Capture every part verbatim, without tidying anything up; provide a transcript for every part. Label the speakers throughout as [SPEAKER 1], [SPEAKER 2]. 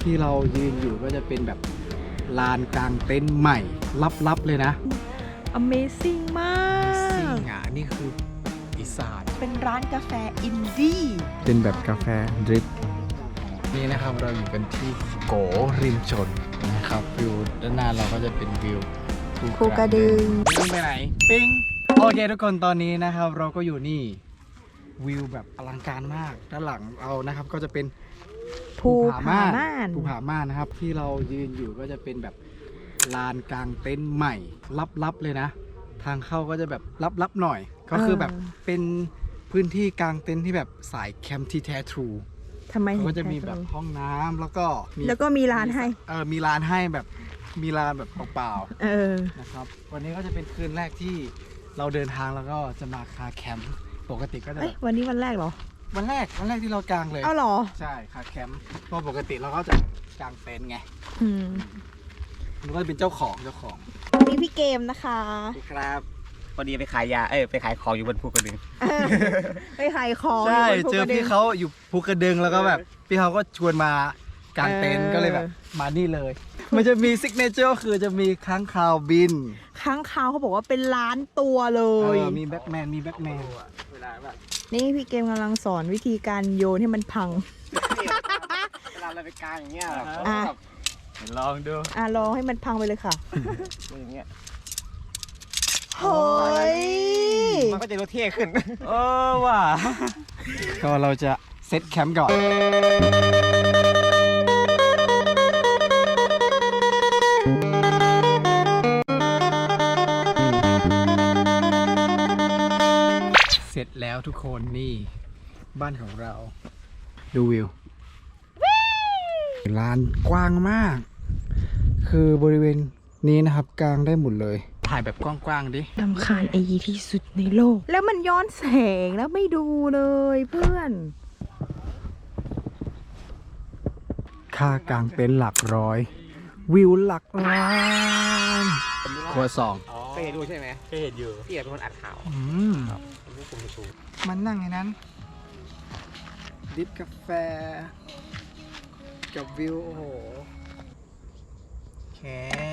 [SPEAKER 1] ที่เรายืนอยู่ก็จะเป็นแบบลานกลางเต็นท์ใหม่ลับๆเลยนะ
[SPEAKER 2] Amazing มาก
[SPEAKER 1] ซิ่งอ่ะนี่คืออีสาน
[SPEAKER 2] เป็นร้านกาแฟอินดี้
[SPEAKER 1] เป็นแบบกาแฟดริปนี่นะครับเราอยู่กันที่โกริมชนนะครับวิวด้านหน้าเราก็จะเป็นวิว
[SPEAKER 2] ภูกระดึง
[SPEAKER 1] ปิ้งไปไหนปิ้งโอเคทุกคนตอนนี้นะครับเราก็อยู่นี่วิวแบบอลังการมากด้านหลังเรานะครับก็จะเป็น
[SPEAKER 2] ภูผาม่าน
[SPEAKER 1] ภูผาม่านนะครับที่เรายืนอยู่ก็จะเป็นแบบลานกลางเต็นท์ใหม่ลับๆเลยนะทางเข้าก็จะแบบลับๆหน่อยก็คือแบบเป็นพื้นที่กลางเต็นท์ที่แบบสายแคมป์ที่แท้ทรู
[SPEAKER 2] ทำไม
[SPEAKER 1] ก็จะมีแบบห้องน้ำแล้วก็มี
[SPEAKER 2] แล้วก็มีร้านให้
[SPEAKER 1] เออมีร้านให้แบบมีร้านแบบเปล่า
[SPEAKER 2] เออ
[SPEAKER 1] ๆนะครับวันนี้ก็จะเป็นคืนแรกที่เราเดินทางแล้วก็จะมาคาแคมป์ปกติก็จะ
[SPEAKER 2] เอ้ยวันนี้วันแรกเหรอ
[SPEAKER 1] วันแรกวันแรกที่เรากางเลย
[SPEAKER 2] เอาเหรอ
[SPEAKER 1] ใช่คาแคมป์เพราะปกติเราก็จะกางเต็นท์ไง
[SPEAKER 2] อืม
[SPEAKER 1] มันก็จะเป็นเจ้าของเจ้าของ
[SPEAKER 2] วันนี้พี่เกมนะคะ
[SPEAKER 3] ครับพอดีไปขายยา เอ้ยไปขายของอยู่บนภูกระดึง
[SPEAKER 2] เออไปขายของ
[SPEAKER 1] ใช่
[SPEAKER 2] ยู่บนภู
[SPEAKER 1] เจอก
[SPEAKER 2] ระดึ
[SPEAKER 1] พี่
[SPEAKER 2] ง
[SPEAKER 1] เขาอยู่ภูกระดึงแล้วก็แบบพี่เขาก็ชวนมากางเต็นท์
[SPEAKER 2] เออ
[SPEAKER 1] ก็เลยแบบมานี่เลย มันจะมีซิกเนเจอร์คือจะมีค้างคาวบิน
[SPEAKER 2] ค้างคาวเขาบอกว่าเป็นล้านตัวเล
[SPEAKER 1] เอย อมีแบ็กแมนมีแบ็กแมน
[SPEAKER 3] เวลาแบบ
[SPEAKER 2] นี่พี่เกมกำลังสอนวิธีการโยนให้มันพัง
[SPEAKER 3] เวลาเราไปกลางอย่างเงี้ย
[SPEAKER 2] อ่ะ
[SPEAKER 1] ลองดู
[SPEAKER 2] อ่ะรอให้มันพังไปเลยค่ะ
[SPEAKER 3] อย่างเงี้ย
[SPEAKER 2] เฮ้ย
[SPEAKER 3] มันก็จะดูเท่ขึ้น
[SPEAKER 1] เออว่ะก็เราจะเซตแคมป์ก่อนเสร็จแล้วทุกคนนี่บ้านของเราดูวิวลานกว้างมาก คือบริเวณนี้นะครับกลางได้หมดเลยถ่ายแบบกว้างๆดิ
[SPEAKER 2] ลำคาญไอยีที่สุดในโลก แล้วมันย้อนแสงแล้วไม่ดูเลยเพื่อน
[SPEAKER 1] ค่ากลางเต็นท์หลักร้อย วิวหลักล้านครัวสอง
[SPEAKER 3] เคยเห็นดูใช่ไหมเคยเห็นอยู่พี่เป็นคนอัดข่าว
[SPEAKER 1] อืม
[SPEAKER 3] เป็นผู้คุมชู
[SPEAKER 1] มันนั่งในนั้น ดิบกาแฟ กับวิว โอ้โหโอเค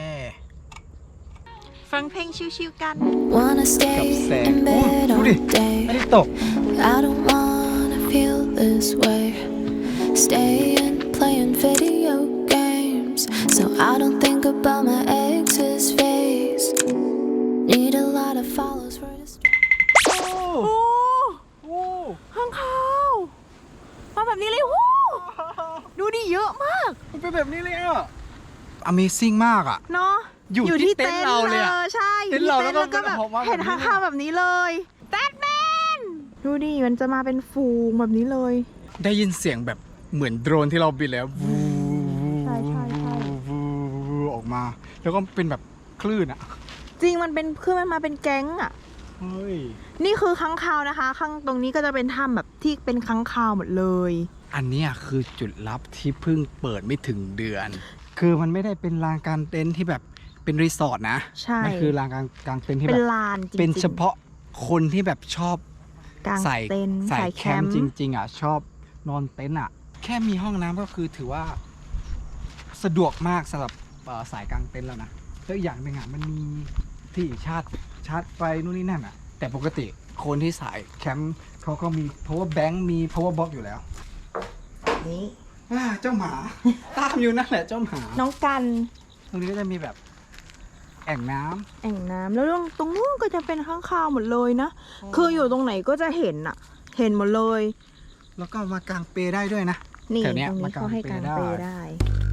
[SPEAKER 2] ฟังเพลงชิวๆกัน
[SPEAKER 4] Wanna
[SPEAKER 1] กับ
[SPEAKER 4] stay
[SPEAKER 1] แสง
[SPEAKER 4] in
[SPEAKER 1] โอ้
[SPEAKER 4] bed
[SPEAKER 1] ดู
[SPEAKER 4] all
[SPEAKER 1] ดิ
[SPEAKER 4] day.
[SPEAKER 1] ไม่ได้ตก
[SPEAKER 4] I don't wanna feel this way. Staying playing video games, so I don't think about my ex's face. Need a lot of follows for this.
[SPEAKER 1] โอ้
[SPEAKER 2] โอ้
[SPEAKER 1] โอ้
[SPEAKER 2] ข้างเขามาแบบนี้เลยวู้ดูดิเยอะมาก
[SPEAKER 1] มันเป็นแบบนี้เลยอ่ะ Amazing มากอ่ะ
[SPEAKER 2] เนาะ
[SPEAKER 1] อยู่ที่เต็นท์เราเลยอะ
[SPEAKER 2] ใช่
[SPEAKER 1] เต็นท์เราแล้วก็
[SPEAKER 2] ก็แบบ
[SPEAKER 1] ออกมาแบบนี้
[SPEAKER 2] เห็นข้างๆแบบนี้เลยแบทแมนดูดิมันจะมาเป็นฝูงแบบนี้เลย
[SPEAKER 1] ได้ยินเสียงแบบเหมือนโดรนที่เราบินแล้ววู
[SPEAKER 2] ใช่ใช่ใช่
[SPEAKER 1] วูออกมา แล้วก็เป็นแบบคลื่นอ่ะ
[SPEAKER 2] จริงมันเป็นคือมันมาเป็นแก๊งอ่ะ
[SPEAKER 1] เฮ้ย
[SPEAKER 2] นี่คือค้างคาวนะคะ ข้างตรงนี้ก็จะเป็นถ้ำแบบที่เป็นค้างคาวหมดเลย
[SPEAKER 1] อันเนี้ยคือจุดลับที่เพิ่งเปิดไม่ถึงเดือน คือมันไม่ได้เป็นลานกลางเต็นท์ที่แบบเป็นรีสอร์ทนะ
[SPEAKER 2] ใช่
[SPEAKER 1] มันคือลานกลางกลางเต็นท์ที่
[SPEAKER 2] เป็
[SPEAKER 1] แบ
[SPEAKER 2] น
[SPEAKER 1] บ
[SPEAKER 2] ลานจริงๆ
[SPEAKER 1] เป็นเฉพาะคนที่แบบชอบ
[SPEAKER 2] กลาง
[SPEAKER 1] ใส่
[SPEAKER 2] เต็นท์
[SPEAKER 1] ใส่
[SPEAKER 2] สาย
[SPEAKER 1] แค
[SPEAKER 2] แค
[SPEAKER 1] ม
[SPEAKER 2] ม
[SPEAKER 1] ป์
[SPEAKER 2] ป์
[SPEAKER 1] จริง ๆอ่ะชอบนอนเต็นท์อ่ะ แค่มีห้องน้ำก็คือถือว่าสะดวกมากสำหรับเอ่อสายกลางเต็นท์แล้วนะแล้วอีกอย่างหนึ่งอ่ะมันมีที่ชาร์จชาร์จไฟนู่นนี่นั่นอ่ะ แต่ปกติคนที่สายแคมป์เขาก็มี power bank มี power box อยู่แล้ว
[SPEAKER 2] นี่
[SPEAKER 1] อ่าเจ้าหมา ตามอยู่นั่นแหละเจ้าหมา
[SPEAKER 2] น้องกัน
[SPEAKER 1] ตรงนี้ก็จะมีแบบแอ่งน้ำ
[SPEAKER 2] แอ่งน้ำแล้วตรงตรงนู้นก็จะเป็นข้างคาวหมดเลยนะ คืออยู่ตรงไหนก็จะเห็นอะเห็นหมดเลย
[SPEAKER 1] แล้วก็มากางเปลได้ด้วยนะ
[SPEAKER 2] นี่
[SPEAKER 1] แถ
[SPEAKER 2] ต
[SPEAKER 1] ว
[SPEAKER 2] รง
[SPEAKER 1] เนี้ย
[SPEAKER 2] นี้
[SPEAKER 1] มากาง
[SPEAKER 2] เขาให้กาง
[SPEAKER 1] เปล
[SPEAKER 2] เป
[SPEAKER 1] ได้
[SPEAKER 2] ได้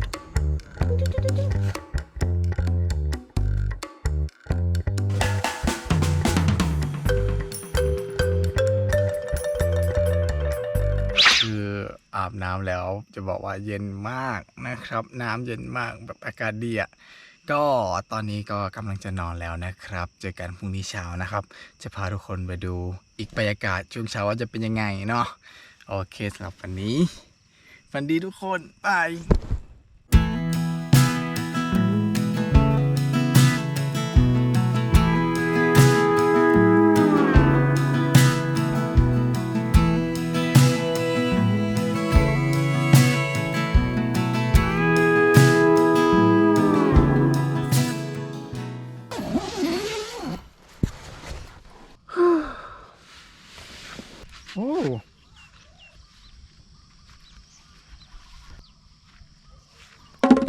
[SPEAKER 1] คืออาบน้ำแล้วจะบอกว่าเย็นมากนะครับ น้ำเย็นมากแบบอากาศดีอ่ะก็ตอนนี้ก็กำลังจะนอนแล้วนะครับ เจอกันพรุ่งนี้เช้านะครับ จะพาทุกคนไปดูอีกบรรยากาศช่วงเช้าว่าจะเป็นยังไงเนาะโอเคสำหรับวันนี้ฝันดีทุกคนบาย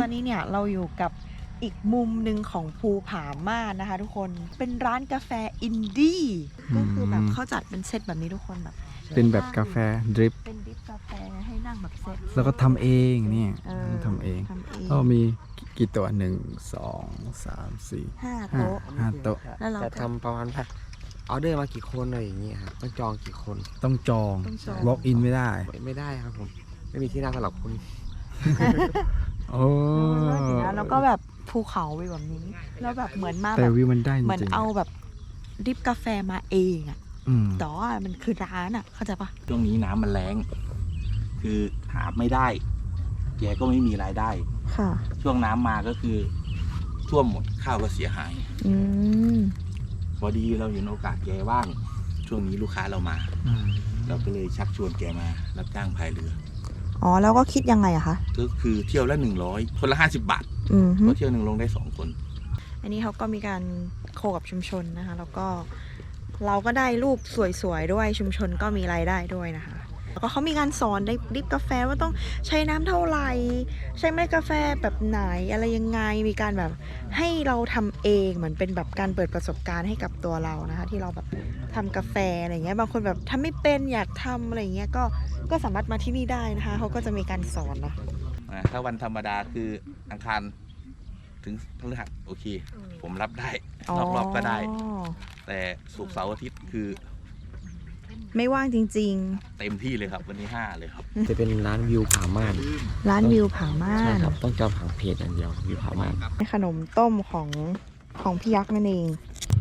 [SPEAKER 2] อนนี้เนี่ยเราอยู่กับอีกมุมหนึ่งของภูผาม่านนะคะ ทุกคนเป็นร้านกาแฟอินดี้ก็คือแบบเขาจัดเป็นเซตแบบนี้ทุกคนแบบ
[SPEAKER 1] เป็นแบบกาแฟดริป
[SPEAKER 2] เป็นดริปกาแฟให้นั่งแบบเซต
[SPEAKER 1] แล้วก็ทำเองเนี่ย
[SPEAKER 2] เออ
[SPEAKER 1] ทำเอง
[SPEAKER 2] ทำเอง
[SPEAKER 1] ก็มีกี่ตัวหนึ่งสองสามสี่
[SPEAKER 2] ห้า
[SPEAKER 1] ห้า
[SPEAKER 2] โต๊ะ
[SPEAKER 1] ห้าโต๊ะ
[SPEAKER 2] แล้วเรา
[SPEAKER 5] จะ
[SPEAKER 2] ก็
[SPEAKER 5] ทำประมาณแบบออเดอร์มากี่คนอะไรอย่างเงี้ยครับต้องจองกี่คน
[SPEAKER 1] ต้องจอง
[SPEAKER 2] ต้องจอง
[SPEAKER 1] walk in ไม่ได้
[SPEAKER 5] ไม่ได้ครับผม ไม่มีที่นั่งสำหรับคุณ
[SPEAKER 1] โอ้
[SPEAKER 2] แล้วก็แบบภูเขาวิวแบบนี้ แล้วแบบเหมือนมา
[SPEAKER 1] แต่
[SPEAKER 2] แบบ
[SPEAKER 1] วิวมันได้จริงๆ
[SPEAKER 2] เหมือนเอาแบบดริปกาแฟมาเองอะ
[SPEAKER 1] อืม
[SPEAKER 2] แต่ว่ามันคือร้านอะเข้าใจปะ
[SPEAKER 6] ช่วงนี้น้ำมันแรง คือหาไม่ได้ แกก็ไม่มีรายได้
[SPEAKER 2] ค่ะ
[SPEAKER 6] ช่วงน้ำมาก็คือท่วมหมดข้าวก็เสียหาย
[SPEAKER 2] อืม
[SPEAKER 6] พอดีเราเห็นโอกาสแกว่าง ช่วงนี้ลูกค้าเรามา
[SPEAKER 1] อืม
[SPEAKER 6] เราก็เลยชักชวนแกมารับจ้างพายเรือ
[SPEAKER 2] อ๋อแล้วก็คิดยังไงอะคะ
[SPEAKER 6] ก็คือเที่ยวละหนึ่งร้อยคนละห้าสิบบาท
[SPEAKER 2] อืมฮึ
[SPEAKER 6] เพราะเที่ยวหนึ่งลงได้สองคน
[SPEAKER 2] อันนี้เขาก็มีการโคกับชุมชนนะคะ แล้วก็เราก็ได้รูปสวยๆด้วยชุมชนก็มีรายได้ด้วยนะคะ แล้วก็เขามีการสอนได้ดริปกาแฟว่าต้องใช้น้ำเท่าไหร่ใช้เมล็ดกาแฟแบบไหนอะไรยังไงมีการแบบให้เราทำเองเหมือนเป็นแบบการเปิดประสบการณ์ให้กับตัวเรานะคะ ที่เราแบบทำกาแฟอะไรเงี้ยบางคนแบบทำไม่เป็นอยากทำอะไรเงี้ยก็ก็สามารถมาที่นี่ได้นะคะเขาก็จะมีการสอนเนาะ
[SPEAKER 6] อ่าถ้าวันธรรมดาคืออังคารถึงพฤหัสโอเค ผมรับได้นอกรอบก็ได้ แต่ศุกร์เสาร์อาทิตย์คือ
[SPEAKER 2] ไม่ว่างจริง
[SPEAKER 6] เต็มที่เลยครับ วันนี้ห้าเลยครับ
[SPEAKER 5] จะเป็นร้านวิวผาม่าน
[SPEAKER 2] ๆ ร้านวิวผาม่า
[SPEAKER 5] ใช่
[SPEAKER 2] น
[SPEAKER 5] ครับ ต้องจองผ่านเพจอย่างเดียววิวผาม่าน
[SPEAKER 2] ขนมต้มของของพี่ยักษ์นั่นเอง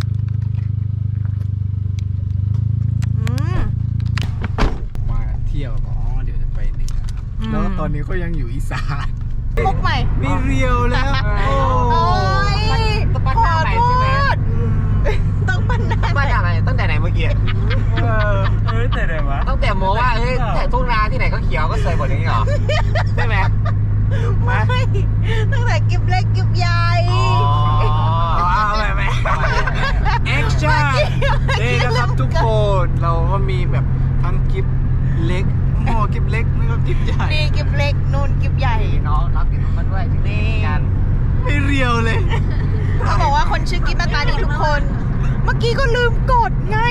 [SPEAKER 2] อืม
[SPEAKER 1] มาเที่ยวอ๋อเดี๋ยวจะไปเหนืออ
[SPEAKER 2] ม
[SPEAKER 1] แล้วตอนนี้ก็ยังอยู่อีสาน
[SPEAKER 2] มุกใหม่
[SPEAKER 1] ไม่เรียวแล้ว
[SPEAKER 2] โอ้ย
[SPEAKER 3] ต้องปั้นหน้าใหม่ใช่ไหม
[SPEAKER 2] ต้องปั้นหน้า
[SPEAKER 3] มาจากไหนตั้งแต่ไหนเมื่อกี้
[SPEAKER 1] เออเอ้ยแต่ไหนวะ
[SPEAKER 3] ตั้งแต่โมว่าเอ้ยแต่ทุ่งนาที่ไหนก็เขียวก็สวยหมดอย่างนี้เหรอใช่ไหม
[SPEAKER 2] ไม่ตั้งแต่กิบเล็กกิบใหญ่
[SPEAKER 3] อ๋อ
[SPEAKER 1] เอาไปไหมแอคชั่นนี่นะครับทุกคนเราก็มีแบบทั้งกิฟเล็กหม้อกิฟเล็กแล้วก็กิฟใหญ่
[SPEAKER 2] นี่กิบเล็กนู่นกิบใหญ่
[SPEAKER 3] น้องน้องติดมาด้วยที่นี่กัน
[SPEAKER 1] ไม่เรียวเลย
[SPEAKER 2] เขาบอกว่าคนชื่อกิบหน้าตาดีทุกคน เมื่อกี้ก็ลืมกดไง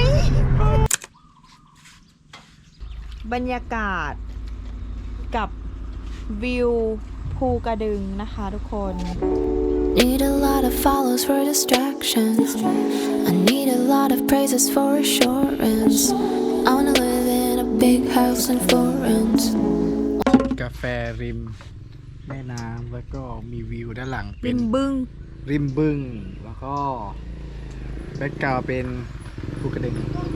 [SPEAKER 2] บรรยากาศกับวิวภูกระดึงนะคะทุกคน
[SPEAKER 4] Need a lot of follows for distractions. I need a lot of praises for assurance. I wanna live in a big house in Florence.
[SPEAKER 1] กาแฟริมแม่น้ำแล้วก็มีวิวด้านหลังเป็
[SPEAKER 2] ริ
[SPEAKER 1] น
[SPEAKER 2] มบึง
[SPEAKER 1] ริมบึงแล้วก็แบ็กกราวด์เป็นภูกระดึง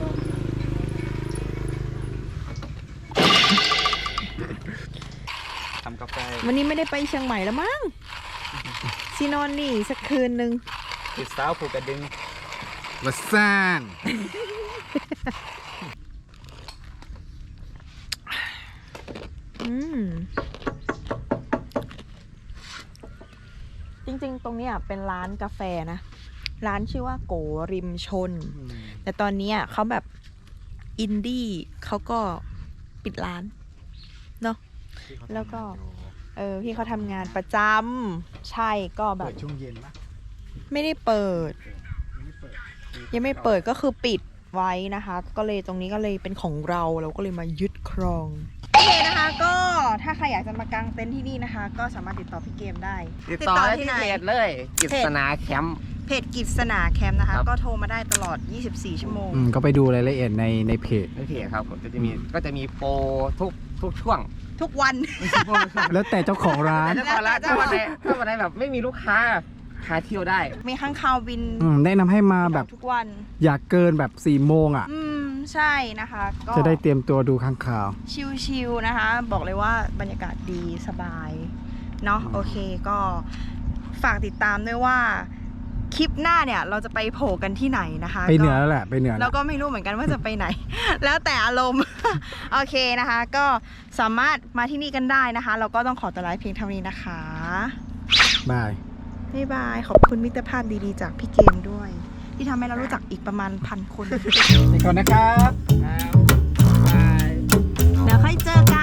[SPEAKER 3] ทำกาแฟ
[SPEAKER 2] วันนี้ไม่ได้ไปเชียงใหม่แล้วมั้งซีนอนนี่สักคืนนึง
[SPEAKER 3] ติดสาวผูกกระดึง
[SPEAKER 1] วัสซ่าน
[SPEAKER 2] อืม จริงๆ ตรงเนี้ยเป็นร้านกาแฟนะ ร้านชื่อว่าโกริมชน แต่ตอนเนี้ยเขาแบบอินดี้เขาก็ปิดร้าน เนาะ แล้วก็ เออ พี่เขาทำงานประจำ ใช่ก็แบ
[SPEAKER 1] เปิ
[SPEAKER 2] บ
[SPEAKER 1] ดช่วงเย็นปะ
[SPEAKER 2] ไม่ได้เปิด
[SPEAKER 1] ไม่ได้เปิด
[SPEAKER 2] ยังไม่เปิดก็คือปิดไว้นะคะ ก็เลยตรงนี้ก็เลยเป็นของเราเราก็เลยมายึดครอง โอเคนะคะ ก็ถ้าใครอยากจะมากางเต็นท์ที่นี่นะคะ ก็สามารถติดต่อพี่เกมได้
[SPEAKER 3] ติดต่อได้ที่เพจเลยกิษณาแคมป์
[SPEAKER 2] เพจกิจสนาแคมป์นะคะ
[SPEAKER 3] ครับ
[SPEAKER 2] ก็โทรมาได้ตลอด ยี่สิบสี่ ชั่วโมง
[SPEAKER 1] อืมก็ไปดูรายละเอียดในในเพจ
[SPEAKER 3] ในเพจครับผมก็จะมีก็จะมีโปรทุกทุกช่วง
[SPEAKER 2] ทุกวัน
[SPEAKER 1] แล้วแต่เจ้าของร้าน
[SPEAKER 3] แต่ถ้าวันละถ้าวันไหนถ้าวันไหนแบบไม่มีลูกค้าพาเที่ยวได้
[SPEAKER 2] มีข้างคาวบิน
[SPEAKER 1] อืมแนะนำให้มาแบบ
[SPEAKER 2] ทุกวัน
[SPEAKER 1] อยากเกินแบบสี่โมงอ่ะ
[SPEAKER 2] อืม ใช่นะคะ ก็
[SPEAKER 1] จะได้เตรียมตัวดูข้างข่าว
[SPEAKER 2] ชิลๆนะคะ บอกเลยว่าบรรยากาศดีสบาย เนาะโอเคก็ฝากติดตามด้วยว่า คลิปหน้าเนี่ยเราจะไปโผล่กันที่ไหนนะคะ
[SPEAKER 1] ไปเหนือ
[SPEAKER 2] ก็
[SPEAKER 1] แล้วแหละไปเหนือ
[SPEAKER 2] เรา
[SPEAKER 1] แล้ว
[SPEAKER 2] ก็ไม่รู้เหมือนกันว่าจะไปไหน แล้วแต่อารมณ์ โอเคนะคะ ก็สามารถมาที่นี่กันได้นะคะ เราก็ต้องขอตัวลาเพียงเท่านี้นะคะ
[SPEAKER 1] บาย
[SPEAKER 2] บ๊ายบาย ขอบคุณมิตรภาพดีๆจากพี่เกมด้วย ที่ทำให้เรารู้จักอีกประมาณพันคน
[SPEAKER 1] ไปก่อนนะครับ
[SPEAKER 2] แล้วค่อยเจอกัน